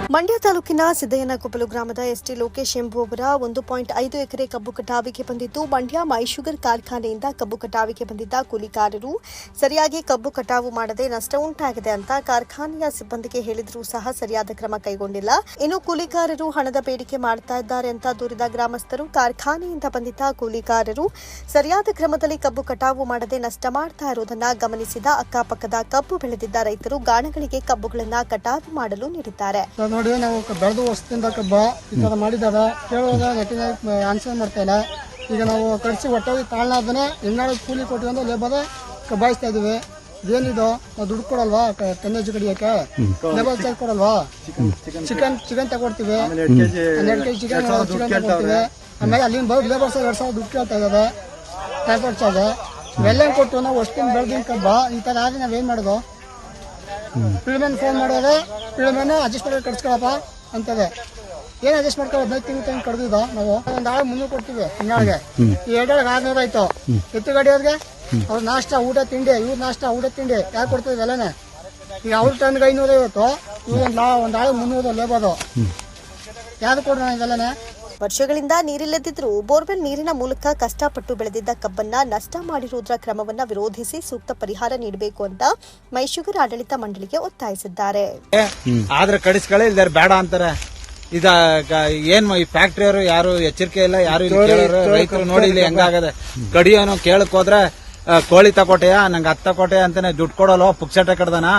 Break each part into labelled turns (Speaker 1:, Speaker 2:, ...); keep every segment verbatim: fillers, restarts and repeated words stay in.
Speaker 1: ಮಂಡ್ಯ ತಾಲೂಕಿನ ಸಿದ್ದಯ್ಯನಕೊಪ್ಪಲು ಗ್ರಾಮದ ಎಸ್ಟಿ ಲೋಕೇಶ್ ಎಂಬುವವರ ಒಂದು ಪಾಯಿಂಟ್ ಐದು ಎಕರೆ ಕಬ್ಬು ಕಟಾವಿಗೆ ಬಂದಿದ್ದು, ಮಂಡ್ಯ ಮೈ ಶುಗರ್ ಕಾರ್ಖಾನೆಯಿಂದ ಕಬ್ಬು ಕಟಾವಿಗೆ ಬಂದಿದ್ದ ಕೂಲಿಕಾರರು ಸರಿಯಾಗಿ ಕಬ್ಬು ಕಟಾವು ಮಾಡದೆ ನಷ್ಟ ಉಂಟಾಗಿದೆ ಅಂತ ಕಾರ್ಖಾನೆಯ ಸಿಬ್ಬಂದಿಗೆ ಹೇಳಿದರೂ ಸಹ ಸರಿಯಾದ ಕ್ರಮ ಕೈಗೊಂಡಿಲ್ಲ. ಇನ್ನು ಕೂಲಿಕಾರರು ಹಣದ ಬೇಡಿಕೆ ಮಾಡ್ತಾ ಇದ್ದಾರೆ ಅಂತ ದೂರಿದ ಗ್ರಾಮಸ್ಥರು ಕಾರ್ಖಾನೆಯಿಂದ ಬಂದಿದ್ದ ಕೂಲಿಕಾರರು ಸರಿಯಾದ ಕ್ರಮದಲ್ಲಿ ಕಬ್ಬು ಕಟಾವು ಮಾಡದೆ ನಷ್ಟ ಮಾಡ್ತಾ ಇರುವುದನ್ನು ಗಮನಿಸಿದ ಅಕ್ಕಪಕ್ಕದ ಕಬ್ಬು ಬೆಳೆದಿದ್ದ ರೈತರು ಗಾಣಗಳಿಗೆ ಕಬ್ಬುಗಳನ್ನು ಕಟಾವು ಮಾಡಲು ನೀಡಿದ್ದಾರೆ.
Speaker 2: ನೋಡಿ, ನಾವು ಬೆಳೆದು ವರ್ಷದಿಂದ ಕಬ್ಬ ಈ ಥರ ಮಾಡಿದ್ದಾರೆ. ಕೇಳುವಾಗ ನೆಟ್ಟಿನ ಆನ್ಸರ್ ಮಾಡ್ತಾ ಇಲ್ಲ. ಈಗ ನಾವು ಕಳಿಸಿ ಒಟ್ಟಾಗಿ ತಾಳ್ನಾದನೆ ಎಣ್ಣಾಳು ಕೂಲಿ ಕೊಟ್ಟು ಲೇಬರ್ ಕಬ್ಬಾಯಿಸ್ತಾ ಇದೀವಿ. ಇದೇನಿದು, ನಾವು ದುಡ್ಡು ಕೊಡಲ್ವಾ ಟನ್ನೇಜ್ ಕಡಿಯೋಕೆ? ಲೇಬರ್ ಚಾರ್ಜ್ ಕೊಡಲ್ವಾ? ಚಿಕನ್ ಚಿಕನ್ ತಗೊಡ್ತೀವಿ, ಹನ್ನೆರಡು ಕೆಜಿ ಚಿಕನ್ ಚಿಕನ್ ತಗೊಡ್ತೀವಿ. ಆಮೇಲೆ ಅಲ್ಲಿಂದ ಬರೋದು ಲೇಬರ್ಸ್ ಎರಡು ಸಾವಿರ ದುಡ್ಡು ಕೇಳ್ತಾ ಇದ್ದಾರೆ, ಟ್ರಾನ್ಸ್ಪೋರ್ಟ್ ಚಾರ್ಜ್ ಇವೆಲ್ಲ ಕೊಟ್ಟು ನಾವು ವರ್ಷದಿಂದ ಬೆಳೆದಿನ ಕಬ್ಬ ಈ ಥರ ಆದರೆ ನಾವೇನು ಮಾಡೋದು? ಪಿಳಿಮೇನ್ ಫೋನ್ ಮಾಡೋದು, ಪಿಳಿಮೇನು ಅಡ್ಜಸ್ಟ್ ಮಾಡಿ ಕಟ್ಸ್ಕೊಳಪ್ಪ ಅಂತದೆ. ಏನು ಅಡ್ಜಸ್ಟ್ ಮಾಡ್ಕೊಳ್ಳೋ ಹದಿನೈದು ತಿಂಗಳು ತಂದು ಕಡ್ದಿದ್ದು ನಾವು ಒಂದು ಆಳು ಮುನ್ನೂರು ಕೊಡ್ತೀವಿ ತಿಂಗಳಿಗೆ. ಈ ಎರಡೊಳಗೆ ಆರ್ನೂರು ಆಯ್ತು. ಎತ್ತು ಗಾಡಿಯವ್ರಿಗೆ ಅವ್ರ ನಾಷ್ಟ ಊಟ ತಿಂಡಿ, ಇವ್ರ ನಾಷ್ಟ ಊಟ ತಿಂಡಿ ಯಾಕೆ ಕೊಡ್ತೀವಿ ಎಲ್ಲನೇ? ಈಗ ಅವ್ರ ಟನ್ಗೆ ಐನೂರೈವತ್ತು, ಇವ್ರು ಒಂದು ಒಂದು ಆಳು ಮುನ್ನೂರು ಲೇಬರು. ಯಾರು ಕೊಡ್ರಿ ಇವೆಲ್ಲನೇ?
Speaker 1: ವರ್ಷಗಳಿಂದ ನೀರಿಲ್ಲದಿದ್ದರೂ ಬೋರ್ವೆಲ್ ನೀರಿನ ಮೂಲಕ ಕಷ್ಟಪಟ್ಟು ಬೆಳೆದಿದ್ದ ಕಬ್ಬನ್ನ ನಷ್ಟ ಮಾಡಿರುವುದರ ಕ್ರಮವನ್ನ ವಿರೋಧಿಸಿ ಸೂಕ್ತ ಪರಿಹಾರ ನೀಡಬೇಕು ಅಂತ ಮೈಶುಗರ್ ಆಡಳಿತ ಮಂಡಳಿಗೆ ಒತ್ತಾಯಿಸಿದ್ದಾರೆ.
Speaker 3: ಆದ್ರೆ ಕಡಿಸ್ಕೊಳ್ಳಿ ಇಲ್ದಾರೆ ಬೇಡ ಅಂತಾರೆ. ಇದ ಏನ್ ಈ ಫ್ಯಾಕ್ಟ್ರಿಯವರು ಯಾರು ಎಚ್ಚರಿಕೆ ಇಲ್ಲ, ಯಾರು ರೈತರು ನೋಡಿ ಇಲ್ಲಿ ಹೆಂಗಾಗದೆ. ಕಡಿಯೋನು ಕೇಳಕ್ ಹೋದ್ರೆ ಕೋಳಿ ತಕೋಟೆಯ ನಂಗೆ ಹತ್ತ ತಕೋಟೆ ಅಂತಾನೆ ದುಡ್ಡು ಕೊಡಲ್ವ, ಪುಕ್ಸಟೆ ಕಡ್ದನ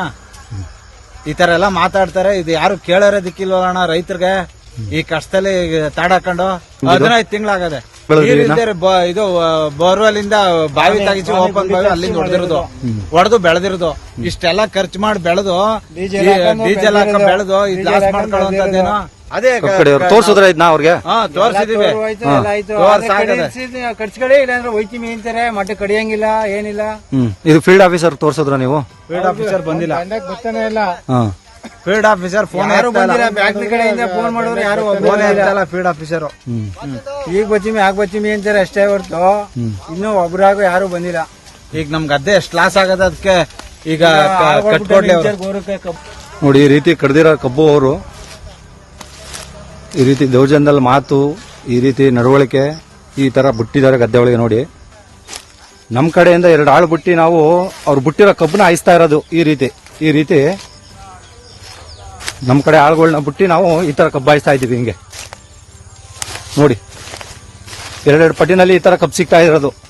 Speaker 3: ಈ ತರ ಎಲ್ಲ ಮಾತಾಡ್ತಾರೆ. ಇದು ಯಾರು ಕೇಳೋರೇ ದಿಕ್ಕಿಲ್ವಲ್ಲ ರೈತರಿಗೆ. ಈ ಕಷ್ಟದಲ್ಲಿ ತಾಡಾಕೊಂಡು ಹದಿನೈದು ತಿಂಗಳಾಗದೆ. ಇದು ಬೋರ್ವೆಲ್ ಇಂದ ಬಾವಿ ತೆಗಿಸಿ ಓಪನ್ ಬಾವಿ ಅಲ್ಲಿಂದ ಹೊಡೆದಿರೋದು, ಹೊಡೆದು ಬೆಳೆದಿರೋದು. ಇಷ್ಟೆಲ್ಲ ಖರ್ಚು ಮಾಡಿ ಬೆಳೆದು ಡೀಸೆಲ್ ಹಾಕ ಬೆಳೆದು ಇದು ಲಾಸ್ ಮಾಡ್ಕೊಳ್ಳುವಂತದ್ದೇನೋ. ಅದೇ
Speaker 4: ತೋರ್ಸಿದ್ರ ಇದನ್ನ ಅವ್ರಿಗೆ
Speaker 3: ತೋರ್ಸಿದೀವಿ.
Speaker 2: ಕಡ್ಸ್ಕಡೆ ಇಲ್ಲಾಂದ್ರೆ ಒಯ್ತೀವಿ ಅಂತಾರೆ, ಮಟ್ಟ ಕಡಿಯಂಗಿಲ್ಲ ಏನಿಲ್ಲ.
Speaker 4: ಇದು ಫೀಲ್ಡ್ ಆಫೀಸರ್ ತೋರ್ಸಿದ್ರ ನೀವು?
Speaker 3: ಫೀಲ್ಡ್ ಆಫೀಸರ್ ಬಂದಿಲ್ಲ,
Speaker 2: ಗೊತ್ತಾನೆ ಇಲ್ಲ.
Speaker 3: ಫೀಲ್ಡ್ ಆಫೀಸರ್ ಫೋನ್
Speaker 2: ಕಡೆಯಿಂದ ಫೋನ್ ಮಾಡಿದ್ರೆ ಯಾರು
Speaker 3: ಫೋನ್ ಫೀಲ್ಡ್ ಆಫೀಸರ್
Speaker 2: ಈಗ ಬಚ್ಚಿಮಿ ಆಗ ಬಚ್ಚಿಮಿ ಅಂತಾರೆ ಅಷ್ಟೇ ಹೊರ್ತು ಇನ್ನೂ ಒಬ್ರಾಗ ಯಾರು ಬಂದಿಲ್ಲ.
Speaker 3: ಈಗ ನಮ್ ಗದ್ದೆ ಎಷ್ಟು ಲಾಸ್ ಆಗದ, ಅದಕ್ಕೆ ಈಗ ಕಟ್ಕೊಡ್ಲಿ
Speaker 4: ನೋಡಿ. ಈ ರೀತಿ ಕಡ್ದಿರೋ ಕಬ್ಬು ಅವರು ಈ ರೀತಿ ದೌರ್ಜನ್ಯದಲ್ಲಿ ಮಾತು, ಈ ರೀತಿ ನಡವಳಿಕೆ ಈ ತರ ಬಿಟ್ಟಿದ್ದಾರೆ ಗದ್ದೆ ಒಳಗೆ. ನೋಡಿ, ನಮ್ ಕಡೆಯಿಂದ ಎರಡು ಆಳು ಬಿಟ್ಟು ನಾವು ಅವ್ರು ಬಿಟ್ಟಿರೋ ಕಬ್ಬನ್ನ ಹಾಯಿಸ್ತಾ ಇರೋದು. ಈ ರೀತಿ ಈ ರೀತಿ ನಮ್ ಕಡೆ ಆಳುಗಳನ್ನ ಬಿಟ್ಟು ನಾವು ಈ ತರ ಕಬ್ಬು ಹಾಯಿಸ್ತಾ ಇದೀವಿ. ಹಿಂಗೆ ನೋಡಿ, ಎರಡೆರಡು ಪಟ್ಟಿನಲ್ಲಿ ಈ ತರ ಕಬ್ಬು ಸಿಗ್ತಾ ಇರೋದು.